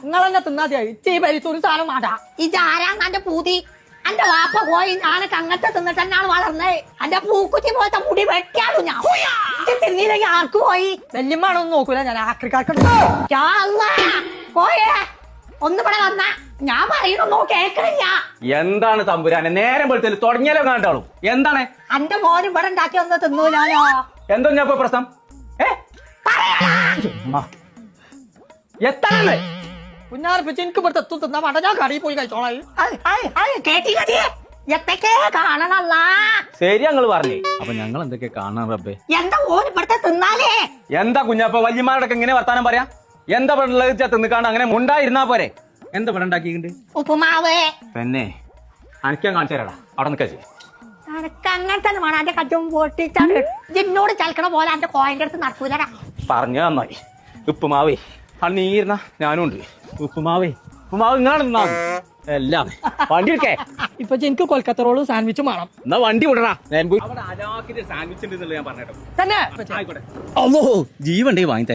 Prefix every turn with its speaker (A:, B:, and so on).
A: നിങ്ങളെന്നെ തിന്നാതിയായി ചീ പരിത്തൊരു സാധനം മാടാ
B: ഇതാരാന്റെ പൂതി എന്റെ വാപ്പ പോയി ഞാനൊക്കെ അങ്ങനത്തെ തിന്നിട്ട് തന്നെയാണ് വളർന്നേ എന്റെ പൂക്കുറ്റി പോലത്തെ മുടി വെട്ടിയാലു ഞാൻ തിന്നില്ലെങ്കിൽ ആർക്ക് പോയി
A: വല്യമ്മാണൊന്നും നോക്കൂല ഞാൻ ആക്രിക്കാർക്ക്
B: പോയേ ഒന്നിവിടെ വന്ന ഞാൻ പറയണൊന്നും കേൾക്കണില്ല.
C: എന്താണ് തമ്പുരാനെ നേരം വെളുത്തല് തുടങ്ങിയാലോ കണ്ടാളൂ എന്താണ്
B: എന്റെ മോന് ഇവിടെ ഉണ്ടാക്കി ഒന്ന് തിന്നൂലാലോ.
C: എന്തോ ഞാൻ ഇപ്പൊ പ്രശ്നം എത്താണ്
A: കുഞ്ഞാർപ്പിച്ച് എനിക്ക് ഇവിടുത്തെ എത്തും തിന്നാ വേണ്ട ഞാൻ കടയിൽ പോയി കഴിച്ചോളാം.
B: കേട്ടില്ലേ എത്തൊക്കെ കാണണല്ല
C: ശരി ഞങ്ങൾ പറഞ്ഞേ അപ്പൊ ഞങ്ങൾ എന്തൊക്കെ കാണാൻ റബ്ബേ.
B: എന്താ ഓന് ഇവിടുത്തെ തിന്നാലേ
C: എന്താ കുഞ്ഞാപ്പ വല്യമാരോടൊക്കെ ഇങ്ങനെ വർത്താനം പറയാ എന്താ പെണ്ണുള്ളത് തിന്നിക്കാണ്ട് അങ്ങനെ മുണ്ടായിരുന്നാ പോരെ എന്താ പെണ്ണ ഉണ്ടാക്കിയിട്ടുണ്ട്
B: ഉപ്പുമാവ്
C: പിന്നെ അനക്കാൻ കാണിച്ചു തരാടാ അവിടെ നിൽക്കാ
B: എനക്ക് അങ്ങനെ തന്നെ വേണം. എന്റെ കറ്റും പൊട്ടിച്ചാണ് എന്നോട് ചലക്കണ പോലെ എന്റെ കോയന്റെ അടുത്ത് നടക്കൂലടാ.
C: പറഞ്ഞു നന്നായി ഉപ്പുമാവേ അത് നീരുന്ന ഞാനും ഉണ്ട് ഉപ്പുമാവേ ഉപ്പുമാവ് ഇങ്ങാണ് നിന്നാ എല്ലാം വണ്ടി എടുക്കേ
A: ഇപ്പൊ എനിക്ക് കൊൽക്കത്ത റോളും സാൻഡ്വിച്ചും വേണം.
C: എന്നാ വണ്ടി വിടറാ സാൻഡ്വിച്ച് ഉണ്ട് ഞാൻ പറഞ്ഞോ
A: തന്നെ
C: ആയിക്കോട്ടെ ജീവണ്ടേ വാങ്ങി